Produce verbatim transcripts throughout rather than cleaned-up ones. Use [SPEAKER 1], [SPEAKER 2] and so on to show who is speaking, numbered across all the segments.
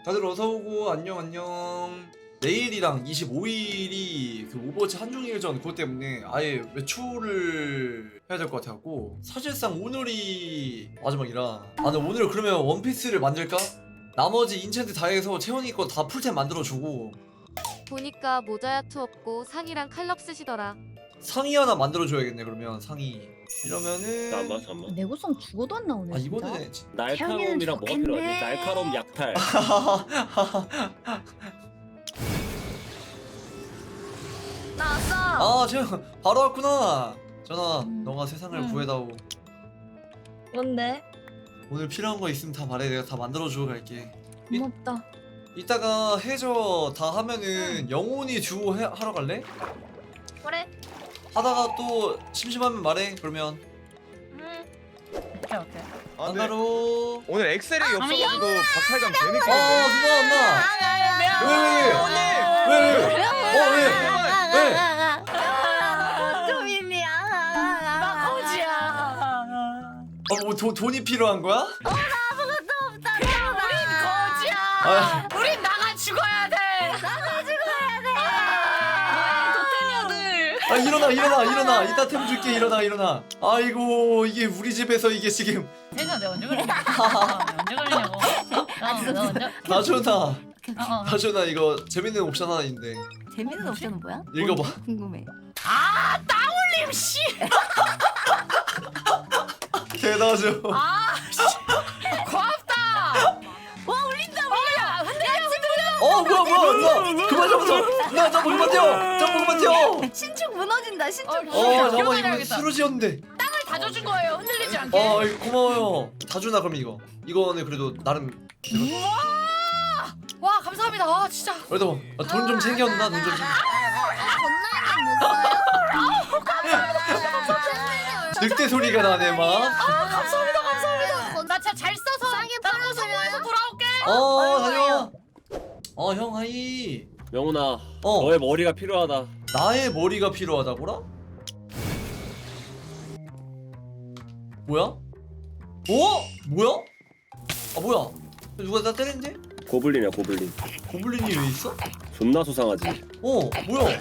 [SPEAKER 1] 다들 어서오고 안녕 안녕. 내일이랑 이십오 일이 그 오버워치 한중일전 그것 때문에 아예 외출을 해야 될 것 같아갖고 사실상 오늘이 마지막이라 아 근데 오늘 그러면 원피스를 만들까? 나머지 인챈트 다 해서 채원이 거 다 풀템 만들어주고
[SPEAKER 2] 보니까 모자야투 없고 상의랑 칼럽 쓰시더라.
[SPEAKER 1] 상의 하나 만들어줘야겠네. 그러면 상의 이러면은
[SPEAKER 3] 잠깐만 잠깐만.
[SPEAKER 4] 내구성 죽어도 안 나오네.
[SPEAKER 1] 아
[SPEAKER 4] 진짜.
[SPEAKER 1] 이번에 진-
[SPEAKER 3] 날카로움이랑 뭐가
[SPEAKER 4] 좋겠네.
[SPEAKER 3] 필요하지? 날카로움 약탈.
[SPEAKER 4] 나왔어.
[SPEAKER 1] 아 채원 바로 왔구나. 전화
[SPEAKER 4] 음.
[SPEAKER 1] 너가 세상을
[SPEAKER 4] 음.
[SPEAKER 1] 구해다오.
[SPEAKER 4] 뭔데?
[SPEAKER 1] 오늘 필요한 거 있으면 다 말해. 내가 다 만들어주고 갈게.
[SPEAKER 4] 고맙다.
[SPEAKER 1] 이따가 해저 다 하면은 영혼이 듀오 해, 하러 갈래?
[SPEAKER 4] 그래.
[SPEAKER 1] 하다가 또 심심하면 말해. 그러면
[SPEAKER 4] 응. 오케이 오케이.
[SPEAKER 5] 아, 근데
[SPEAKER 1] 안나로.
[SPEAKER 5] 오늘 엑셀이
[SPEAKER 4] 아,
[SPEAKER 5] 없어가지고 박탈감
[SPEAKER 1] 아
[SPEAKER 5] 개느끼네.
[SPEAKER 1] 누나 안나.
[SPEAKER 4] 아,
[SPEAKER 1] 왜 왜? 왜 왜? 어 왜? 왜?
[SPEAKER 4] 조민이야. 나 거지야.
[SPEAKER 1] 어뭐 돈이 필요한 거야?
[SPEAKER 4] 우린 거지야.
[SPEAKER 1] 아,
[SPEAKER 4] 우린 나가 죽어야 돼. 나가 죽어야 돼. 도태녀들.
[SPEAKER 1] 아 일어나 일어나 일어나. 이따 템 줄게. 일어나 일어나. 아이고 이게 우리 집에서 이게 지금
[SPEAKER 6] 세자 내가 언제 그랬냐? 언제 그랬냐고? 너 언제?
[SPEAKER 1] 나준아
[SPEAKER 6] 어, 어.
[SPEAKER 1] 나준아 이거 재밌는 옵션 하나 있는데
[SPEAKER 4] 재밌는 옵션은 뭐야?
[SPEAKER 1] 읽어봐.
[SPEAKER 4] 궁금해.
[SPEAKER 6] 아 따올림 씨.
[SPEAKER 1] 개나죠.
[SPEAKER 6] 아 씨. 고맙다.
[SPEAKER 4] 와 울린다.
[SPEAKER 6] 어야 흔들려.
[SPEAKER 1] 어 뭐야 뭐야 뭐야 그만 잡아서 나 점프 그만 뛰어 점프 그만 뛰어.
[SPEAKER 4] 신축 무너진다. 신축
[SPEAKER 6] 어,
[SPEAKER 1] 어
[SPEAKER 4] 무너진다.
[SPEAKER 1] 잠깐만 이거
[SPEAKER 6] 기억나야겠다.
[SPEAKER 1] 쓰러지였는데.
[SPEAKER 6] 땅을 다져준 거예요. 흔들리지 않게.
[SPEAKER 1] 아 이거 고마워요. 다준아 그럼 이거 이거는 그래도 나름
[SPEAKER 6] 우와. 와 감사합니다. 아 진짜.
[SPEAKER 1] 그래도 돈 좀 챙겼나 돈 좀 챙겨. 늑대 소리가 나네 막.
[SPEAKER 6] 아 감사합니다 감사합니다. 나 진짜 잘 써서
[SPEAKER 4] 싸게
[SPEAKER 6] 나
[SPEAKER 4] 팔아서
[SPEAKER 6] 성공해서 돌아올게.
[SPEAKER 1] 어 다녀와. 어 형 하이.
[SPEAKER 3] 명훈아,
[SPEAKER 1] 어
[SPEAKER 3] 너의 머리가 필요하다.
[SPEAKER 1] 나의 머리가 필요하다고라? 뭐야? 어? 뭐야? 아 뭐야? 누가 나 때렸는데?
[SPEAKER 3] 고블린이야 고블린.
[SPEAKER 1] 고블린이 왜 있어?
[SPEAKER 3] 존나 수상하지.
[SPEAKER 1] 어 뭐야?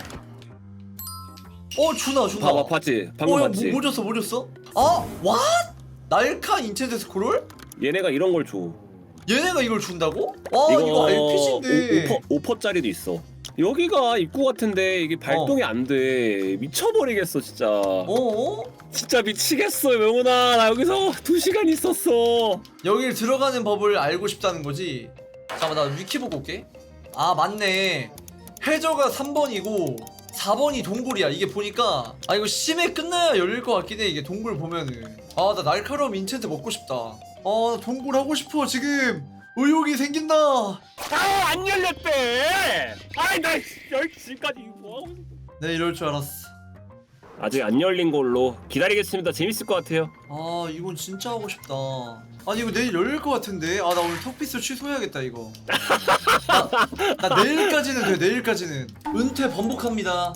[SPEAKER 1] 어 준아 준아.
[SPEAKER 3] 봐봐 봤지? 방금
[SPEAKER 1] 어, 야,
[SPEAKER 3] 봤지?
[SPEAKER 1] 뭐, 뭐 줬어 뭐 줬어? 아 왓? 날카 인챈트 스크롤?
[SPEAKER 3] 얘네가 이런 걸 줘.
[SPEAKER 1] 얘네가 이걸 준다고? 와 이거, 알피지인데.
[SPEAKER 3] 오 퍼짜리도 있어. 여기가 입구 같은데 이게 발동이 안 돼. 미쳐버리겠어 진짜.
[SPEAKER 1] 어?
[SPEAKER 3] 진짜 미치겠어 명훈아. 나 여기서 두 시간 있었어.
[SPEAKER 1] 여길 들어가는 법을 알고 싶다는 거지? 잠깐만 나 위키 보고 올게. 아 맞네. 해저가 삼 번이고 사 번이 동굴이야. 이게 보니까 아 이거 심해 끝나야 열릴 것 같긴 해. 이게 동굴 보면은 아 나 날카로움 인챈트 먹고 싶다. 아 동굴 하고 싶어 지금. 의욕이 생긴다.
[SPEAKER 3] 아안 열렸대. 아이 나 열 시까지 뭐 하고 있어.
[SPEAKER 1] 네 이럴 줄 알았어.
[SPEAKER 3] 아직 안 열린 걸로 기다리겠습니다. 재밌을 것 같아요.
[SPEAKER 1] 아 이건 진짜 하고 싶다. 아니 이거 내일 열릴 것 같은데. 아 나 오늘 턱피스 취소해야겠다 이거. 나, 나 내일까지는 돼. 내일까지는 은퇴 번복합니다.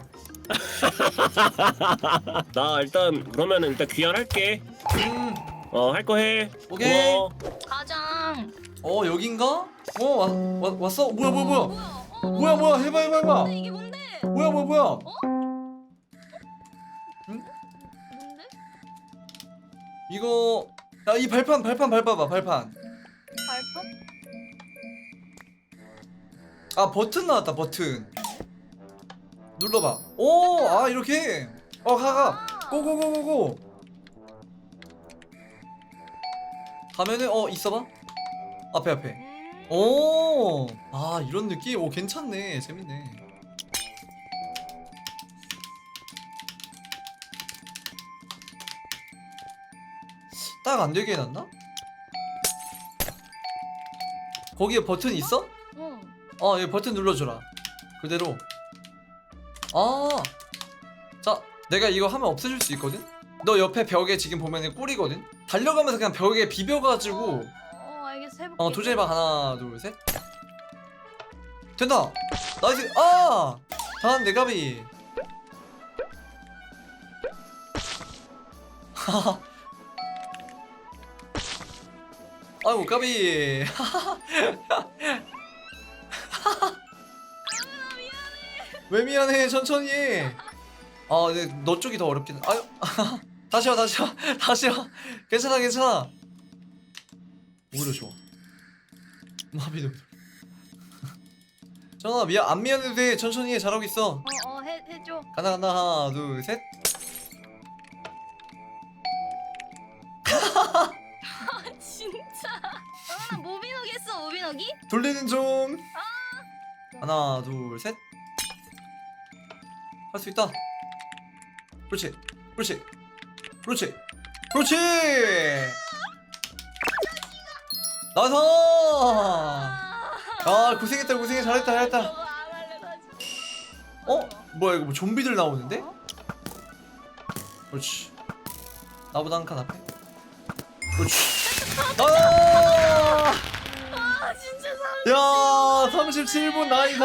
[SPEAKER 3] 나 일단 그러면은 일단 귀환할게.
[SPEAKER 1] 음,
[SPEAKER 3] 어 할 거 해.
[SPEAKER 1] 오케이.
[SPEAKER 3] 고마워.
[SPEAKER 4] 가장.
[SPEAKER 1] 어 여긴가? 어 와, 와, 왔어? 뭐야 뭐야 뭐야 뭐야 뭐야 해봐 해봐 해봐.
[SPEAKER 4] 이게 뭔데?
[SPEAKER 1] 뭐야 뭐야 뭐야. 응?
[SPEAKER 4] 뭔데?
[SPEAKER 1] 이거 야 이 발판 발판 밟아봐 발판.
[SPEAKER 4] 발판?
[SPEAKER 1] 아 버튼 나왔다 버튼. 눌러봐. 오 아 이렇게. 어 가가. 고고고고고. 가면은 어 있어봐. 앞에 앞에. 오. 아 이런 느낌. 오 괜찮네. 재밌네. 딱 안 되게 해놨나? 거기에 버튼 있어?
[SPEAKER 4] 응.
[SPEAKER 1] 어, 여기 버튼 눌러줘라. 그대로. 아, 자, 내가 이거 하면 없애줄 수 있거든? 너 옆에 벽에 지금 보면은 꿀이거든? 달려가면서 그냥 벽에 비벼가지고,
[SPEAKER 4] 어 알겠어 해볼게.
[SPEAKER 1] 어, 도전해봐. 하나, 둘, 셋. 된다! 나이스! 아! 다음 내 가비. 하하. 아이고 까비. 왜 미안해 천천히 아 근데 너 쪽이 더 어렵긴 아유 다시 와 다시 와 다시 와 괜찮아 괜찮아 오히려 좋아 마비도 전화 미안 안 미안해도 돼 천천히 해 잘하고 있어
[SPEAKER 4] 어어 해 해줘.
[SPEAKER 1] 간다 간다 하나 둘셋
[SPEAKER 4] 아 진짜. 아 모비노기 했어 모비노기?
[SPEAKER 1] 돌리는 중 하나 둘셋 할 수 있다 그렇지 그렇지 그렇지 그렇지 나서 아 고생했다 고생해 잘했다 잘했다
[SPEAKER 4] 저거 안 할래 다시.
[SPEAKER 1] 어? 뭐야 이거 뭐 좀비들 나오는데? 그렇지 나보다 한 칸 앞에 그렇지 아!
[SPEAKER 4] 아 진짜
[SPEAKER 1] 야 삼십칠 분 나이다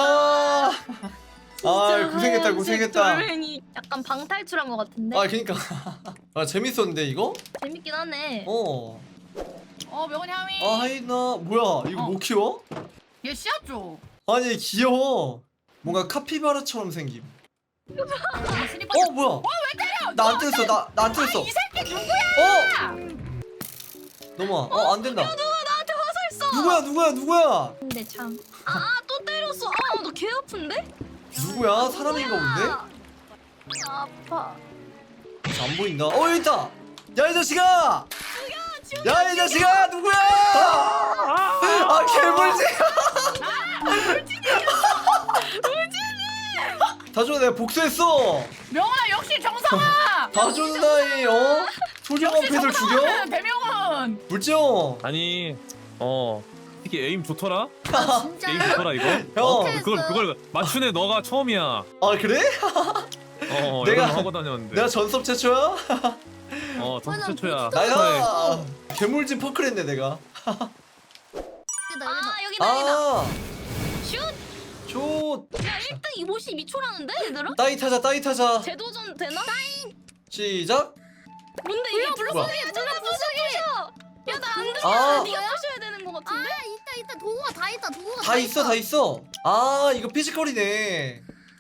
[SPEAKER 1] 아 고생했다 고생했다
[SPEAKER 4] 돌멩이 약간 방탈출한 것 같은데?
[SPEAKER 1] 아 그니까 아 재밌었는데 이거?
[SPEAKER 4] 재밌긴 하네.
[SPEAKER 1] 어.
[SPEAKER 6] 어 명훈이 하미.
[SPEAKER 1] 아 하이나 뭐야 이거
[SPEAKER 6] 어.
[SPEAKER 1] 뭐 키워?
[SPEAKER 6] 얘 씨앗 줘.
[SPEAKER 1] 아니 귀여워 뭔가 카피바라처럼 생김
[SPEAKER 6] 아, 스니퍼.
[SPEAKER 1] 어 뭐야 나 안 때렸어 나 나 안 때렸어
[SPEAKER 6] 이 새끼 누구야?
[SPEAKER 1] 어? 넘어와 어 안된다
[SPEAKER 4] 누가 나한테 화살 써?
[SPEAKER 1] 누구야 누구야 누구야
[SPEAKER 4] 근데 참. 아 또 때렸어. 아너 개 아픈데?
[SPEAKER 1] 누구야 사람인가 본데?
[SPEAKER 4] 아, 아파.
[SPEAKER 1] 안 보인다 어 여기 있다 야 이 자식아 야 이 자식아 누구야 아 개물지 다준아 내가 복수했어
[SPEAKER 6] 명훈아 역시 정상아.
[SPEAKER 1] 다준아이 어? 소중한
[SPEAKER 6] 역시
[SPEAKER 1] 펫을 죽여?
[SPEAKER 6] 정상아. 대명훈.
[SPEAKER 1] 물지요
[SPEAKER 5] 아니 어 특히 에임 좋더라?
[SPEAKER 4] 아 진짜.
[SPEAKER 5] 에임 좋더라 이거?
[SPEAKER 1] 형.
[SPEAKER 5] 어, 그걸 그걸 맞춘 애 너가 처음이야.
[SPEAKER 1] 아 그래?
[SPEAKER 5] 어
[SPEAKER 1] 내가-
[SPEAKER 5] 내가 하고 다녔는데.
[SPEAKER 1] 내가 전섭 최초야?
[SPEAKER 5] 어 전투
[SPEAKER 4] 맞아,
[SPEAKER 5] 최초야.
[SPEAKER 1] 나야 괴물진 퍼클했네 내가
[SPEAKER 4] 아 여기다 여기다.
[SPEAKER 1] 아
[SPEAKER 4] 슛.
[SPEAKER 1] 조
[SPEAKER 4] 야 일 등 오십이 초라는데 얘들아?
[SPEAKER 1] 따이 타자 따이 타자
[SPEAKER 4] 재도전 되나?
[SPEAKER 1] 시작
[SPEAKER 4] 뭔데 이게
[SPEAKER 1] 뭐야?
[SPEAKER 4] 불쏘기야 불쏘기 야나 안 돼.
[SPEAKER 1] 아.
[SPEAKER 4] 네가 부셔야 되는 거 같은데?
[SPEAKER 7] 아 있다 있다 도구가 다 있다 도구가
[SPEAKER 1] 다 있어 다 있어 아 이거 피지컬이네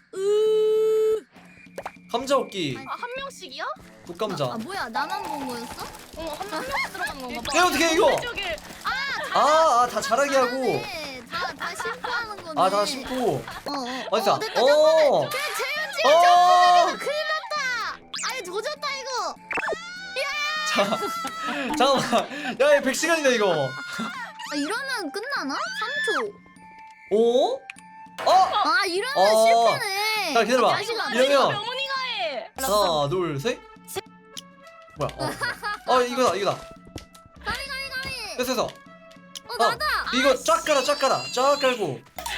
[SPEAKER 1] 감자 얻기
[SPEAKER 4] 아 한 명씩이야?
[SPEAKER 1] 국감자
[SPEAKER 7] 아 뭐야 나만 본 거였어?
[SPEAKER 4] 어한 명씩 들어간 건가 봐.
[SPEAKER 1] 야 어떻게 이거
[SPEAKER 4] 저기
[SPEAKER 1] 아아 다 잘하게 하고
[SPEAKER 7] 네, 다다 심파하는 거네
[SPEAKER 1] 아 다 심고
[SPEAKER 7] 어어
[SPEAKER 1] 어디서
[SPEAKER 7] 어, 됐다
[SPEAKER 1] 어
[SPEAKER 7] 그래 재현씨가
[SPEAKER 1] 어
[SPEAKER 7] 큰일 났다 아예 조졌다 이거
[SPEAKER 1] 자, 잠깐만 야얘 백 시간이다 이거
[SPEAKER 7] 아 이러면 끝나나? 삼 초
[SPEAKER 1] 오? 어?
[SPEAKER 7] 아 이러면
[SPEAKER 1] 어.
[SPEAKER 7] 실패네
[SPEAKER 1] 자 기다려봐
[SPEAKER 4] 야 이거 아,
[SPEAKER 1] 이러면
[SPEAKER 4] 이거 명훈이가 해.
[SPEAKER 1] 하나 둘셋 뭐야 어, 어 이거다 이거다
[SPEAKER 7] 가리 가리 가리
[SPEAKER 1] 됐어 됐어
[SPEAKER 7] 어 나다
[SPEAKER 1] 이거 쫙 깔아 쫙 깔아 쫙 깔고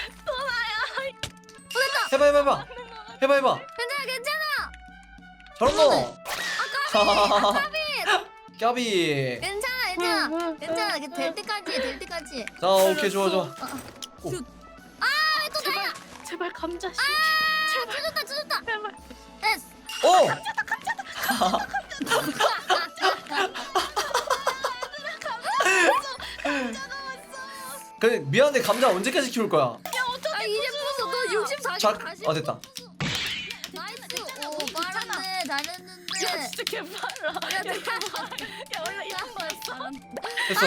[SPEAKER 1] 해봐 해봐 해봐 해봐 해봐
[SPEAKER 7] 괜찮아 괜찮아
[SPEAKER 1] 잘한다 까비
[SPEAKER 7] 괜찮아 괜찮아 괜찮아 이게 될 때까지 될 때까지
[SPEAKER 1] 자 오케이 좋아 좋아
[SPEAKER 7] 아또 나야
[SPEAKER 4] 제발 감자 씨.
[SPEAKER 7] 아 찢었다 찢었다
[SPEAKER 4] 제발.
[SPEAKER 7] 됐어
[SPEAKER 1] 오! 그래 미안한데 감자 언제까지 키울 거야?
[SPEAKER 7] 아 이제 부숴 너 육십사
[SPEAKER 1] 자,
[SPEAKER 7] 다시
[SPEAKER 1] 아, 됐다.
[SPEAKER 7] 나이스 오 빠르네 잘했는데
[SPEAKER 4] 야 진짜 개빨라. 야 개빨라. 야 원래 이런 거였어.
[SPEAKER 1] 됐어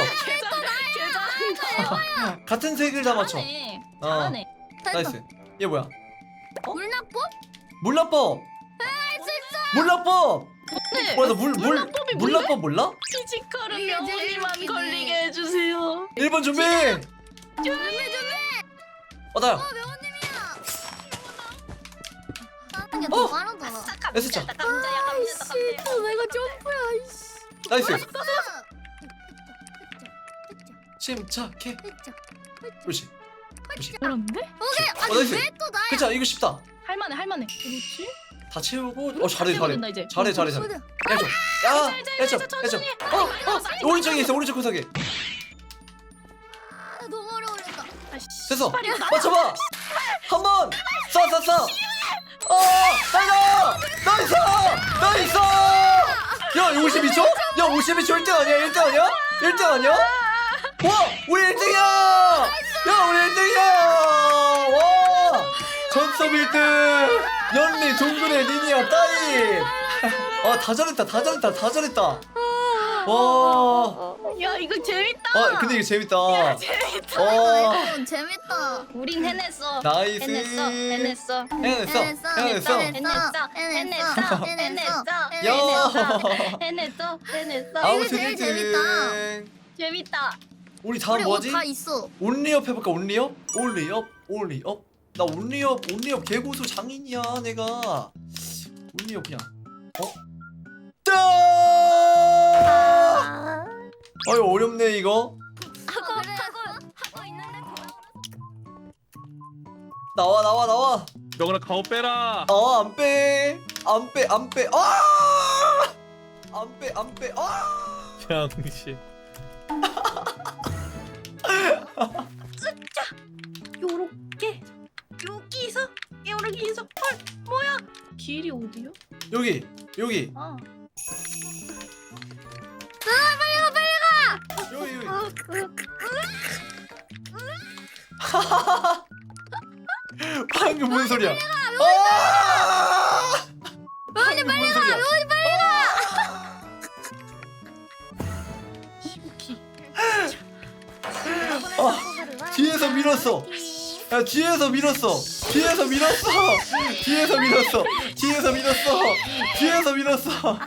[SPEAKER 4] 개잘 개잘.
[SPEAKER 1] 같은 색을 다 맞춰
[SPEAKER 4] 잘하네.
[SPEAKER 1] 어.
[SPEAKER 4] 잘하네.
[SPEAKER 1] 나이스 얘 뭐야?
[SPEAKER 7] 물낙법?
[SPEAKER 1] 물납법! 물납법!
[SPEAKER 4] 네.
[SPEAKER 1] 뭐야 너물물
[SPEAKER 4] 물납법이 뭔데?
[SPEAKER 1] 물납법 몰라?
[SPEAKER 4] 피지컬은
[SPEAKER 7] 이게 제일
[SPEAKER 4] 명훈이만
[SPEAKER 7] 웃기네.
[SPEAKER 4] 걸리게 해주세요.
[SPEAKER 1] 일 번 준비!
[SPEAKER 7] 준비 준비
[SPEAKER 1] 어 나야
[SPEAKER 7] 어 명호님이야 하는 게더
[SPEAKER 1] 어.
[SPEAKER 7] 빠르더라
[SPEAKER 1] S자
[SPEAKER 4] 감자야 감자다
[SPEAKER 7] 아이씨
[SPEAKER 4] 감자.
[SPEAKER 7] 또 내가 점프야 아이씨
[SPEAKER 1] 나이스
[SPEAKER 7] 아,
[SPEAKER 1] 침착해
[SPEAKER 7] 흑자
[SPEAKER 1] 그렇지 그렇지
[SPEAKER 4] 그런데?
[SPEAKER 7] 오케이
[SPEAKER 1] 어,
[SPEAKER 7] 아니
[SPEAKER 1] 나이스.
[SPEAKER 7] 왜 또 나야
[SPEAKER 1] 괜찮아 이거 쉽다
[SPEAKER 4] 할만해 할만해. 그렇지?
[SPEAKER 1] 다 채우고 어 잘해 잘해
[SPEAKER 4] 된다, 이제.
[SPEAKER 1] 잘해 잘해 잘해
[SPEAKER 7] 어디야?
[SPEAKER 1] 해줘 야 해줘
[SPEAKER 4] 해줘,
[SPEAKER 1] 해줘
[SPEAKER 4] 천천히.
[SPEAKER 1] 어! 어! 오른쪽에 있어 오른쪽 구석에
[SPEAKER 7] 아, 너무 어려울렸다
[SPEAKER 4] 아씨.
[SPEAKER 1] 됐어
[SPEAKER 4] 빨리 이거 나.
[SPEAKER 1] 맞춰봐 한번 쏴 쏴 쏴 어! 나이스! 나이스! 나이스! 야 이거 오십이 초? 야 오십이 초 일 등 아니야 일 등 아니야? 일 등 아니야? 와! 우리 일 등이야! 야 우리 일 등이야! 와! 전섭 탑섭 일 등 연리 동굴의 리니아 따임. 아다 잘했다 다 잘했다 다 잘했다. 와.
[SPEAKER 4] 야 이거 재밌다.
[SPEAKER 1] 아 근데 이거 재밌다.
[SPEAKER 4] 재밌다.
[SPEAKER 1] 와.
[SPEAKER 7] 이거 재밌다.
[SPEAKER 4] 우린 해냈어.
[SPEAKER 1] 나이스.
[SPEAKER 4] 해냈어. 해냈어.
[SPEAKER 1] 해냈어. 해냈어.
[SPEAKER 4] 해냈어. 해냈어. 해냈어.
[SPEAKER 1] 야.
[SPEAKER 4] 해냈어. 해냈어.
[SPEAKER 1] 아우
[SPEAKER 7] 이게 제일
[SPEAKER 1] 재밌지.
[SPEAKER 4] 재밌다.
[SPEAKER 1] 우리 다음
[SPEAKER 7] 우리
[SPEAKER 1] 뭐지?
[SPEAKER 7] 옷 다 있어.
[SPEAKER 1] 온리업 해볼까? 온리업? 온리업? 온리업? 나 온리업 온리업 개고수 장인이야 내가. 온리업 그냥. 어? 짜!
[SPEAKER 7] 아,
[SPEAKER 1] 아유 어렵네 이거.
[SPEAKER 4] 하고
[SPEAKER 7] 그래.
[SPEAKER 4] 하고 하고 있는데
[SPEAKER 1] 나와 나와 나와.
[SPEAKER 5] 명훈아 가오 빼라.
[SPEAKER 1] 아 안 빼. 안 빼. 안 빼. 아! 안 빼. 안 빼. 아!
[SPEAKER 5] 양씨.
[SPEAKER 4] 요렇게 여기서 여기서 헐 뭐야? 길이 어디요?
[SPEAKER 1] 여기 여기
[SPEAKER 4] 아.
[SPEAKER 1] 여기 여기.
[SPEAKER 4] 아, 그,
[SPEAKER 1] 방금 뭔 소리야? 아!
[SPEAKER 7] 로운이 빨리 가. 로운이 빨리
[SPEAKER 1] 아, 뒤에서 밀었어. 야 뒤에서 밀었어. 뒤에서 밀었어. 뒤에서 밀었어. 뒤에서 밀었어. 뒤에서 밀었어.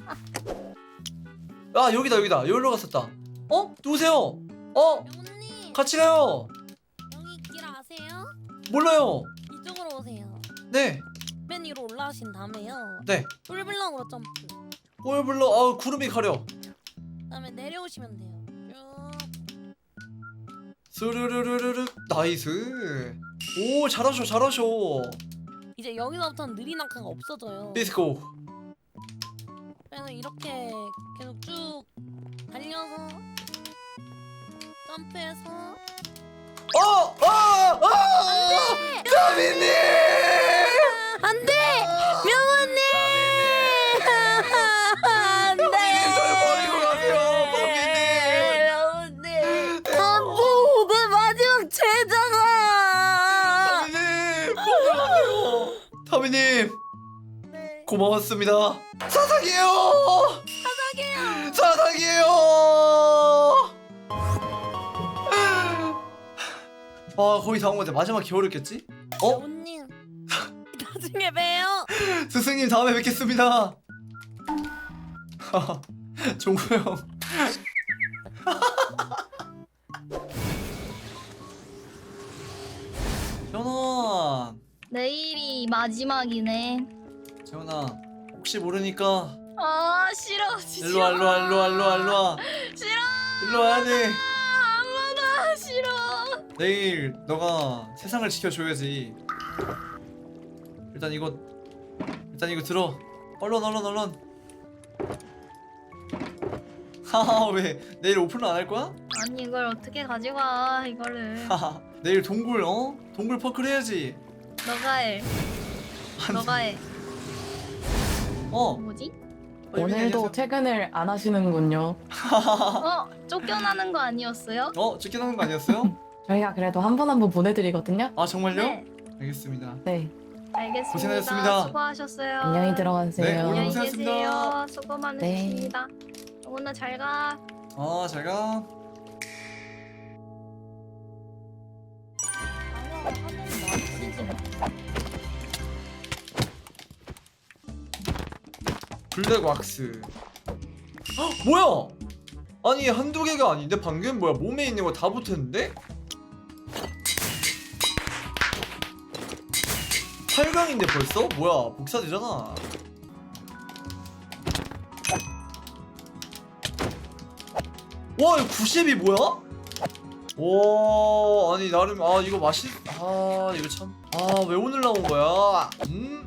[SPEAKER 1] 아 여기다 여기다 여기로 갔었다. 어? 누구세요? 어?
[SPEAKER 8] 명훈님
[SPEAKER 1] 같이 가요.
[SPEAKER 8] 여기 길 아세요?
[SPEAKER 1] 몰라요.
[SPEAKER 8] 이쪽으로 오세요.
[SPEAKER 1] 네.
[SPEAKER 8] 맨 위로 올라가신 다음에요.
[SPEAKER 1] 네.
[SPEAKER 8] 뿔블럭으로 점프.
[SPEAKER 1] 뭘 불러? 아 구름이 가려.
[SPEAKER 8] 그다음에 내려오시면 돼요. 쭉.
[SPEAKER 1] 스르르르르르 나이스. 오 잘하셔 잘하셔.
[SPEAKER 8] 이제 여기서부터는 느린 낙하가 없어져요.
[SPEAKER 1] 디스코.
[SPEAKER 8] 그래서 이렇게 계속 쭉 달려서 점프해서
[SPEAKER 1] 어! 어! 어! 다미님!
[SPEAKER 8] 안돼 명훈님 안돼
[SPEAKER 1] 절 버리고 가세요,
[SPEAKER 8] 명훈님 안돼 내 마지막 제자가
[SPEAKER 1] 다미님! 버리고 타미님
[SPEAKER 8] 네.
[SPEAKER 1] 고마웠습니다. 사사기예요.
[SPEAKER 8] 사사게요.
[SPEAKER 1] 사사기예요. 와 거의 다 온 것 같아. 마지막 겨울이었겠지? 어?
[SPEAKER 8] 명훈님 나중에 봬요.
[SPEAKER 1] 스승님 다음에 뵙겠습니다. 종구 형. 재현아,
[SPEAKER 7] 내일이 마지막이네.
[SPEAKER 1] 재현아, 혹시 모르니까
[SPEAKER 4] 아 싫어. 진짜.
[SPEAKER 1] 일로 와, 일로 와, 일로 와, 일로 와, 일로 와.
[SPEAKER 4] 싫어.
[SPEAKER 1] 일로 와야 돼.
[SPEAKER 4] 아무나 싫어.
[SPEAKER 1] 내일 너가 세상을 지켜줘야지. 일단 이거, 일단 이거 들어. 얼른, 얼른, 얼른. 하하, 왜 내일 오픈을 안 할 거야?
[SPEAKER 7] 아니 이걸 어떻게 가져가 이거를.
[SPEAKER 1] 하하, 내일 동굴, 어? 동굴 퍼클 해야지.
[SPEAKER 7] 너가 해. 너가 해.
[SPEAKER 1] 어.
[SPEAKER 7] 뭐지?
[SPEAKER 1] 어, 이민이
[SPEAKER 9] 오늘도
[SPEAKER 1] 안녕하세요.
[SPEAKER 9] 퇴근을 안 하시는군요.
[SPEAKER 7] 어? 쫓겨나는 거 아니었어요?
[SPEAKER 1] 어? 쫓겨나는 거 아니었어요?
[SPEAKER 9] 저희가 그래도 한 분 한 분 보내드리거든요.
[SPEAKER 1] 아 정말요?
[SPEAKER 7] 네.
[SPEAKER 1] 알겠습니다.
[SPEAKER 9] 네,
[SPEAKER 7] 알겠습니다.
[SPEAKER 1] 고생하셨습니다.
[SPEAKER 7] 수고하셨어요.
[SPEAKER 9] 안녕히 들어가세요.
[SPEAKER 1] 네, 오늘
[SPEAKER 7] 안녕히
[SPEAKER 1] 고생하셨습니다.
[SPEAKER 7] 계세요. 수고 많으셨습니다. 오늘 잘 가.
[SPEAKER 1] 아 잘가. 블랙 왁스. 헉, 뭐야? 아니 한두 개가 아닌데 방금 뭐야 몸에 있는 거 다 붙었는데? 팔 강인데 벌써? 뭐야 복사되잖아. 와 이거 구십이 뭐야? 와 아니 나름 아 이거 맛있 아 이거 참 아 왜 오늘 나온 거야? 음?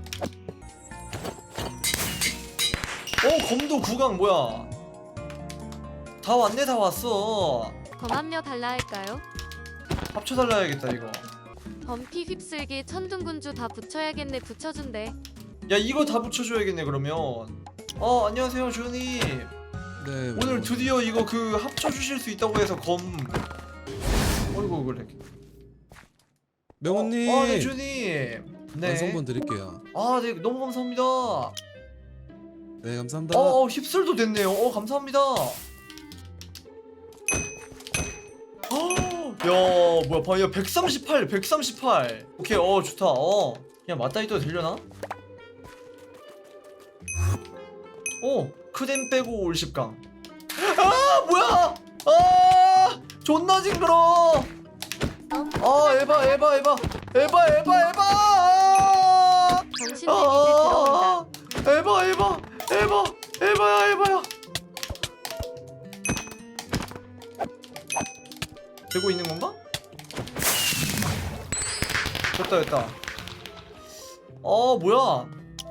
[SPEAKER 1] 어 검도 구강 뭐야? 다 왔네 다 왔어.
[SPEAKER 2] 범합류 달라 할까요?
[SPEAKER 1] 합쳐달라야겠다 이거.
[SPEAKER 2] 범피 휩쓸기 천둥군주 다 붙여야겠네. 붙여준대.
[SPEAKER 1] 야 이거 다 붙여줘야겠네 그러면. 어 안녕하세요 주님.
[SPEAKER 10] 네.
[SPEAKER 1] 오늘 드디어 이거 그 합쳐주실 수 있다고 해서 검. 어이구 그래.
[SPEAKER 10] 명훈님.
[SPEAKER 1] 어, 네 주님. 네.
[SPEAKER 10] 완성본 드릴게요.
[SPEAKER 1] 아, 네 너무 감사합니다. 어,
[SPEAKER 10] 네 감사합니다.
[SPEAKER 1] 어 휩쓸도 됐네요. 어, 감사합니다. 어, 야, 뭐야, 봐, 야, 백삼십팔, 백삼십팔. 오케이, 어, 좋다. 어, 그냥 맞다이 떠도 되려나? 어, 크댐 빼고 올십강. 아, 뭐야? 아, 존나 징그러. 아, 에바, 에바, 에바, 에바, 에바, 에바. 아,
[SPEAKER 2] 정신 데미지 들어온다.
[SPEAKER 1] 에바, 에바, 에바, 에바야, 에바야. 되고 있는 건가? 됐다, 됐다. 어, 뭐야?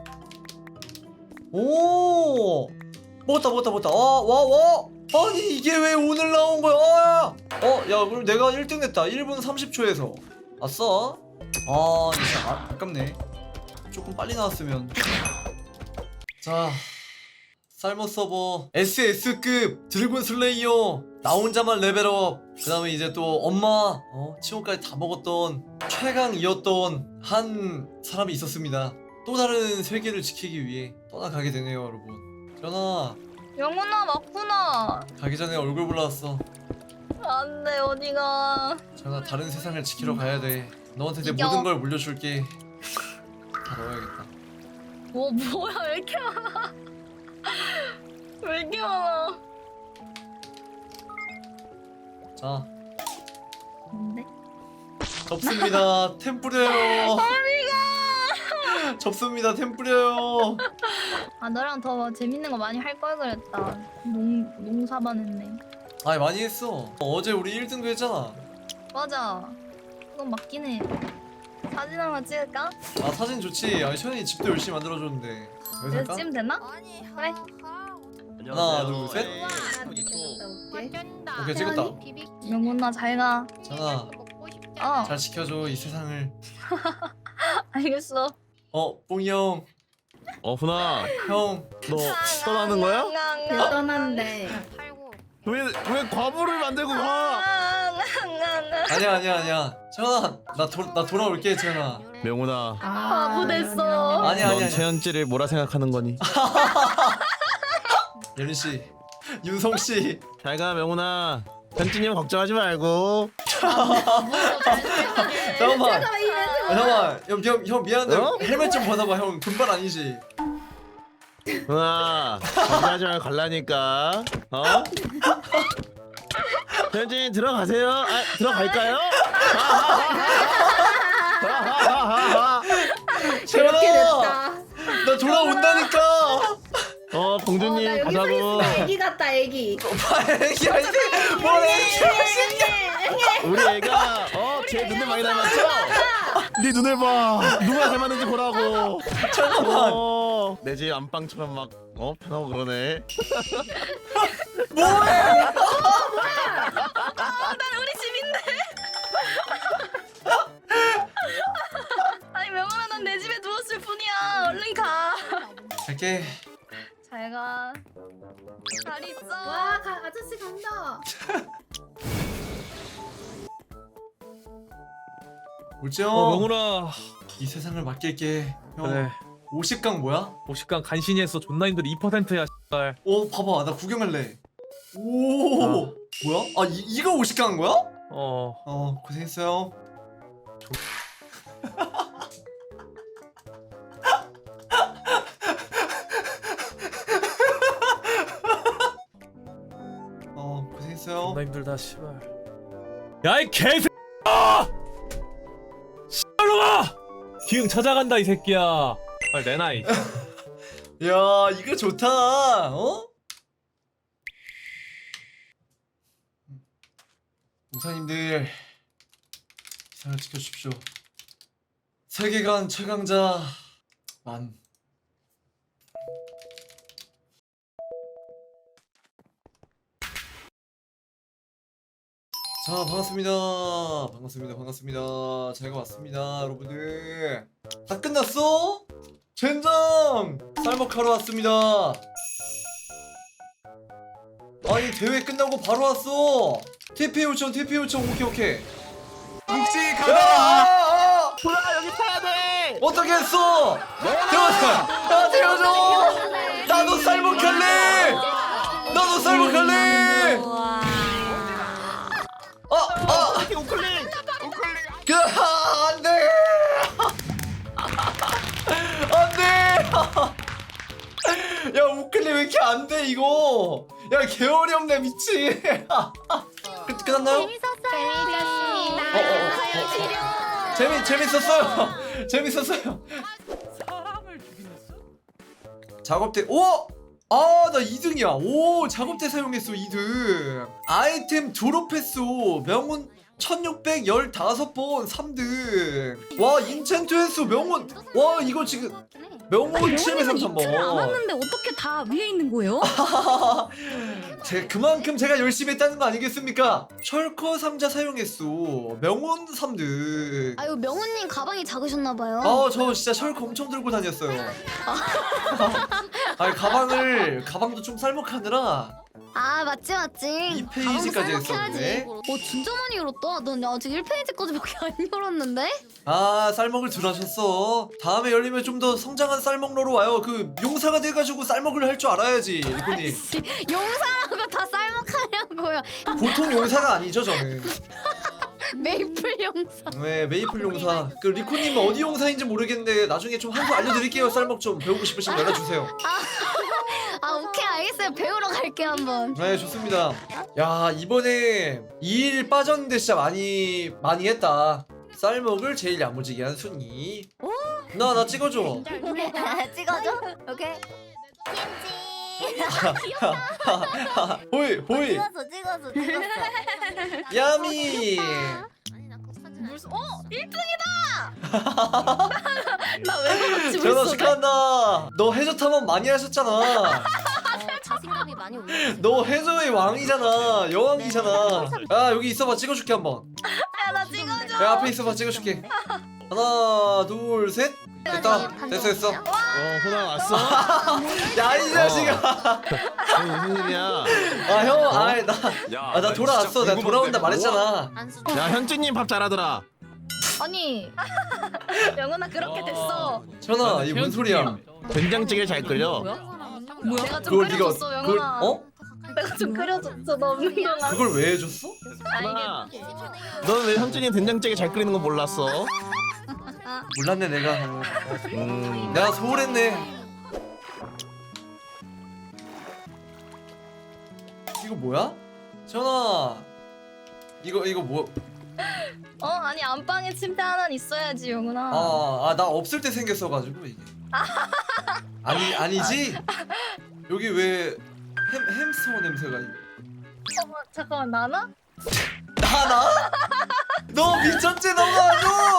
[SPEAKER 1] 오, 먹었다, 먹었다, 먹었다. 와, 와, 와. 아니 이게 왜 오늘 나온 거야? 어, 야, 어, 야, 그럼 내가 일 등 됐다. 일 분 삼십 초에서. 아싸. 아, 진짜 아, 아깝네. 조금 빨리 나왔으면. 자, 쌀머 서버 에스에스급 드래곤 슬레이어 나 혼자만 레벨업. 그 다음에 이제 또 엄마 어, 치호까지 다 먹었던 최강이었던 한 사람이 있었습니다. 또 다른 세계를 지키기 위해 떠나가게 되네요, 여러분. 전화
[SPEAKER 4] 영훈아 맞구나.
[SPEAKER 1] 가기 전에 얼굴 불러왔어.
[SPEAKER 4] 안돼 어디가.
[SPEAKER 1] 전화 다른 세상을 지키러 가야 돼. 너한테 내
[SPEAKER 4] 이겨.
[SPEAKER 1] 모든 걸 물려줄게. 다 넣어야겠다.
[SPEAKER 4] 뭐 뭐야 왜 이렇게 많아. 왜 이렇게 많아.
[SPEAKER 1] 자,
[SPEAKER 4] 뭔데?
[SPEAKER 1] 접습니다. 템 뿌려요. 접습니다. 템 뿌려요.
[SPEAKER 4] 아 너랑 더 재밌는 거 많이 할 걸 그랬다. 농 농사반 했네.
[SPEAKER 1] 아니 많이 했어. 어, 어제 우리 일 등도 했잖아.
[SPEAKER 4] 맞아. 그건 맞긴 해. 사진 한번 찍을까?
[SPEAKER 1] 아 사진 좋지. 아니 션이 집도 열심히 만들어줬는데. 여기서 할까?
[SPEAKER 4] 여기서 찍으면 되나? 그래.
[SPEAKER 1] 하나 둘 셋. 오케이 찍었다.
[SPEAKER 4] 영훈아 잘 가.
[SPEAKER 1] 전화
[SPEAKER 4] 어
[SPEAKER 1] 잘 지켜줘 이 세상을.
[SPEAKER 4] 알겠어.
[SPEAKER 1] 어 뽕이 형.
[SPEAKER 11] 어 훈아
[SPEAKER 1] 형.
[SPEAKER 11] 너 떠나는 거야?
[SPEAKER 7] 떠난데.
[SPEAKER 11] 왜 왜 과부를 만들고 가?
[SPEAKER 1] 아니야 아니야 아니야. 전화 나나 돌아올게 전화.
[SPEAKER 11] 명훈아
[SPEAKER 4] 바보 됐어.
[SPEAKER 1] 아니야
[SPEAKER 11] 넌
[SPEAKER 1] 아니야.
[SPEAKER 11] 최현지를 뭐라 생각하는 거니?
[SPEAKER 1] 예린 씨, 윤성 씨.
[SPEAKER 11] 잘 가 명훈아. 현진이 형 걱정하지 말고.
[SPEAKER 1] 잠깐만. 아, 잠깐만. 형, 형, 형 미안한데
[SPEAKER 11] 어?
[SPEAKER 1] 헬멧 좀 벗어봐. 형 금발 아니지?
[SPEAKER 11] 훈아 걱정하지 말고 갈라니까. 어? 현진이 들어가세요. 아 들어갈까요?
[SPEAKER 1] 저렇게 됐다. 나 돌아온다니까.
[SPEAKER 11] 어 공주님 가자고.
[SPEAKER 7] 애기 같다 애기.
[SPEAKER 1] 오빠 애기 아니지? 뭘 애기야?
[SPEAKER 11] 우리 애가 어제 눈을 많이 닮았죠? 네 눈을 봐. 누가 닮았는지 보라고.
[SPEAKER 1] 잠깐만.
[SPEAKER 11] 어, 내 집 안방처럼 막 어 편하고 그러네.
[SPEAKER 1] 뭐해?
[SPEAKER 4] 난 우리 집인데. 아니 명훈아 난 내 집에 누웠을 뿐이야. 얼른 가.
[SPEAKER 1] 갈게.
[SPEAKER 4] 잘 가. 잘 있어.
[SPEAKER 7] 와 가, 아저씨 간다.
[SPEAKER 1] 울지요.
[SPEAKER 5] 어 명훈아.
[SPEAKER 1] 이 세상을 맡길게. 형.
[SPEAKER 5] 그래.
[SPEAKER 1] 오십 강 뭐야?
[SPEAKER 5] 오십강 간신히 했어. 존나 힘들어. 이 퍼센트야. 씨발.
[SPEAKER 1] 오 봐봐 나 구경할래. 오
[SPEAKER 5] 어.
[SPEAKER 1] 뭐야? 아 이, 이거 오십 강 거야?
[SPEAKER 5] 어.
[SPEAKER 1] 어 고생했어요. 어 고생했어요.
[SPEAKER 5] 존나 힘들다. 씨발. 야이 개새끼야! 씨발로마! 기흥 찾아간다 이 새끼야. 빨리 내놔 이.
[SPEAKER 1] 야 이거 좋다. 어? 우사님들 이상을 지켜주십시오. 세계관 최강자 만. 자 반갑습니다. 반갑습니다. 반갑습니다. 제가 왔습니다. 여러분들 다 끝났어? 젠장! 쌀먹하러 왔습니다. 아니 대회 끝나고 바로 왔어. 티피 요청 티피 요청 오케이 오케이.
[SPEAKER 10] 혹시
[SPEAKER 1] 야! 어떻게 했어? 태워줘! 아 태워줘! 나도 쌀먹할래! 나도 쌀먹할래! 아! 아!
[SPEAKER 11] 우클릭.
[SPEAKER 1] 그 안돼! 안돼! 야 우클릭 왜 이렇게 안돼 이거? 야 개어리 없네 미친! 끝 끝났나요?
[SPEAKER 7] 재밌었습니다.
[SPEAKER 1] 어, 어, 어. 재미 재밌었어요. 재밌었어요.
[SPEAKER 6] 사람을 죽이겠어?
[SPEAKER 1] 작업대 오! 아 나 이 등이야. 오 작업대 사용했어 이 등. 아이템 졸업했어. 명운 천육백십오 번 삼 등. 와 인챈트 횟수 명운. 와 이거 지금 명운 칠백삼십삼 번.
[SPEAKER 4] 안 왔는데 어떻게 다 위에 있는 거예요?
[SPEAKER 1] 제 그만큼 제가 열심히 했다는 거 아니겠습니까? 철커 상자 사용했어. 명운 삼 등.
[SPEAKER 7] 아유 명훈님 가방이 작으셨나봐요.
[SPEAKER 1] 아 저 진짜 철커 엄청 들고 다녔어요. 아니 가방을 가방도 좀 쌀먹하느라
[SPEAKER 7] 아 맞지 맞지.
[SPEAKER 1] 이 페이지까지 했었는데.
[SPEAKER 7] 어 진짜 많이 열었다. 넌 아직 일 페이지까지밖에 안 열었는데?
[SPEAKER 1] 아 쌀먹을 들 하셨어. 다음에 열리면 좀 더 성장한 쌀먹러로 와요. 그 용사가 돼가지고 쌀먹을 할 줄 알아야지 리코님.
[SPEAKER 7] 용사라고 다 쌀먹하냐고요.
[SPEAKER 1] 보통 용사가 아니죠 저는.
[SPEAKER 7] 메이플 용사.
[SPEAKER 1] 네 메이플 용사. 그 리코님은 어디 용사인지 모르겠는데 나중에 좀 한 수 알려드릴게요. 쌀먹 좀 배우고 싶으시면 연락주세요.
[SPEAKER 7] 아 오케이 알겠어요. 배우러 갈게요 한번.
[SPEAKER 1] 네 좋습니다. 야 이번에 이 일 빠졌는데 진짜 많이 많이 했다. 쌀먹을 제일 야무지게 한 순위. 나 나 찍어줘.
[SPEAKER 7] 찍어줘. 오케이.
[SPEAKER 1] 호이 호이.
[SPEAKER 7] 찍었어 찍었어 찍었어.
[SPEAKER 1] 야미.
[SPEAKER 4] 무슨 어 일 등이다. 나 왜 그렇지
[SPEAKER 1] 전화
[SPEAKER 4] 벌써?
[SPEAKER 1] 축하한다. 너 해저 탐험 많이 하셨잖아.
[SPEAKER 7] 자신감이 많이 올랐어.
[SPEAKER 1] 너 해저의 왕이잖아. 여왕이잖아. 야 여기 있어봐 찍어줄게 한번.
[SPEAKER 4] 야나 찍어줘.
[SPEAKER 1] 야 앞에 있어봐 찍어줄게. 하나 둘 셋. 됐다. 됐어 됐어.
[SPEAKER 11] 어 호나 왔어?
[SPEAKER 1] 야 이 자식아.
[SPEAKER 11] 아니, 무슨 일이야?
[SPEAKER 1] 아 형, 아이 나, 아, 나 돌아왔어. 내가 돌아온다 말했잖아.
[SPEAKER 11] 야 현주님 밥 잘하더라.
[SPEAKER 4] 아니 영훈아 그렇게 됐어.
[SPEAKER 1] 전화 이게 뭔 소리야?
[SPEAKER 11] 된장찌개 잘 끓여.
[SPEAKER 4] 뭐야? 내가 좀
[SPEAKER 1] 그걸 네가
[SPEAKER 4] 끓여줬어
[SPEAKER 1] 그걸
[SPEAKER 4] 영훈아.
[SPEAKER 1] 어?
[SPEAKER 4] 내가 좀 끓여줬어 너 없는 동안.
[SPEAKER 1] 그걸 왜 해줬어?
[SPEAKER 11] 호나, 너는 왜 현주님 된장찌개 잘 끓이는 거 몰랐어?
[SPEAKER 1] 몰랐네 내가.
[SPEAKER 11] 음.
[SPEAKER 1] 내가 소홀했네. 이거 뭐야? 전화. 이거 이거 뭐?
[SPEAKER 4] 어 아니 안방에 침대 하나 있어야지 영훈아.
[SPEAKER 1] 아, 아 나 없을 때 생겼어가지고 이게. 아니 아니지? 여기 왜 햄, 햄스터 냄새가 있...
[SPEAKER 4] 어, 잠깐만 나나?
[SPEAKER 1] 나나? 너 미쳤지 너무하죠?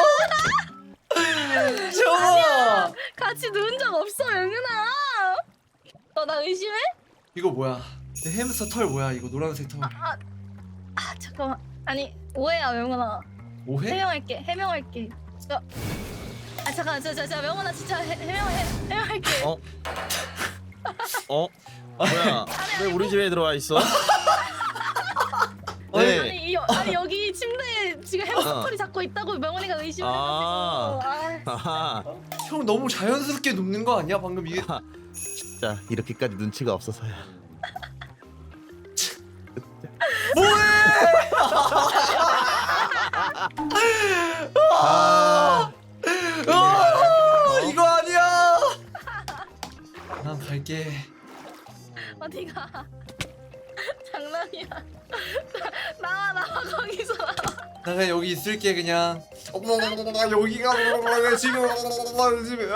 [SPEAKER 1] 전화.
[SPEAKER 4] 같이 누운 적 없어 영훈아. 너 나 의심해?
[SPEAKER 1] 이거 뭐야? 내 햄스터 털 뭐야? 이거 노란색 털.
[SPEAKER 4] 아 잠깐만. 아니 오해야 영훈아.
[SPEAKER 1] 오해?
[SPEAKER 4] 해명할게 해명할게. 저. 아 잠깐 저저저 명훈아 진짜 해, 해명 해, 해명할게.
[SPEAKER 11] 어? 어? 뭐야? 왜 우리 집에 들어와 있어? 네.
[SPEAKER 4] 아니 이, 아니 여기 침대에 지금 햄스터리 잡고 있다고 명훈이가 의심을
[SPEAKER 11] 아.
[SPEAKER 4] 해가지고. 아.
[SPEAKER 11] 아하.
[SPEAKER 1] 형 너무 자연스럽게 눕는 거 아니야? 방금 이게.
[SPEAKER 11] 진짜 이렇게까지 눈치가 없어서야.
[SPEAKER 1] 뭐해? 아, 아, 이거 아니야. 난 갈게.
[SPEAKER 4] 어디가? 장난이야. 나와 나와 거기서 나와.
[SPEAKER 1] 나 그냥 여기 있을게 그냥. 여기가 지금 집에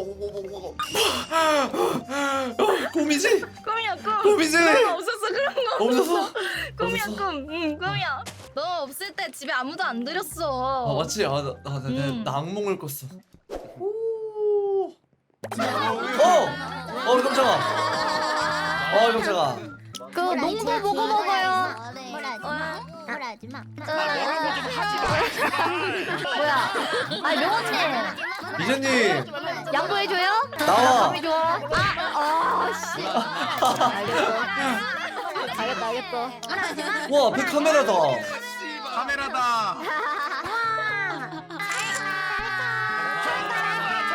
[SPEAKER 1] 꿈이지?
[SPEAKER 4] 꿈이야 꿈.
[SPEAKER 1] 꿈이지?
[SPEAKER 4] 그런 거 없었어 그런 거.
[SPEAKER 1] 없었어?
[SPEAKER 4] 꿈이야
[SPEAKER 1] 없었어?
[SPEAKER 4] 꿈. 응 꿈이야. 너 없을 때 집에 아무도 안 들였어.
[SPEAKER 1] 아 맞지? 아나 나, 나,
[SPEAKER 4] 음.
[SPEAKER 1] 나 악몽을 꿨어. 오. 어! 어 깜짝아. 어 깜짝아.
[SPEAKER 7] 그 농구 보고 먹어요. 뭐라지마. 뭐라지마. 뭐야? 아니 명호님
[SPEAKER 1] 이제님
[SPEAKER 7] 양보해줘요?
[SPEAKER 1] 나와.
[SPEAKER 7] 좋아. 아, 아, 씨. 알겠어. 알겠다, 알겠어.
[SPEAKER 1] 와 앞에 카메라다.
[SPEAKER 11] 카메라다.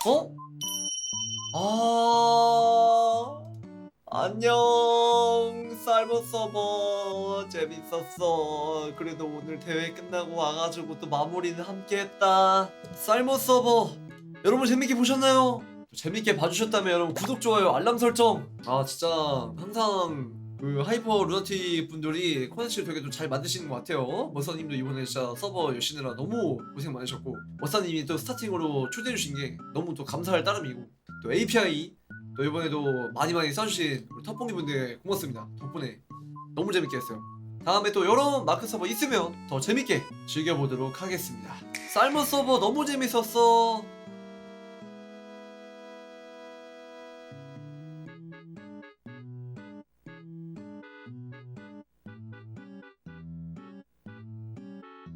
[SPEAKER 1] 어? 아 안녕 쌀모 서버 재밌었어. 그래도 오늘 대회 끝나고 와가지고 또 마무리는 함께했다. 쌀모 서버 여러분 재밌게 보셨나요? 재밌게 봐주셨다면 여러분 구독 좋아요 알람 설정. 아 진짜 항상 그 하이퍼 루나틱 분들이 콘텐츠를 되게 좀 잘 만드시는 것 같아요. 머사님도 이번에 진짜 서버 여시느라 너무 고생 많으셨고 머사님이 또 스타팅으로 초대해 주신 게 너무 또 감사할 따름이고 또 에이피아이 또 이번에도 많이 많이 써주신 우리 탑봉이 분들 고맙습니다. 덕분에 너무 재밌게 했어요. 다음에 또 여러 마크 서버 있으면 더 재밌게 즐겨보도록 하겠습니다. 쌀모 서버 너무 재밌었어.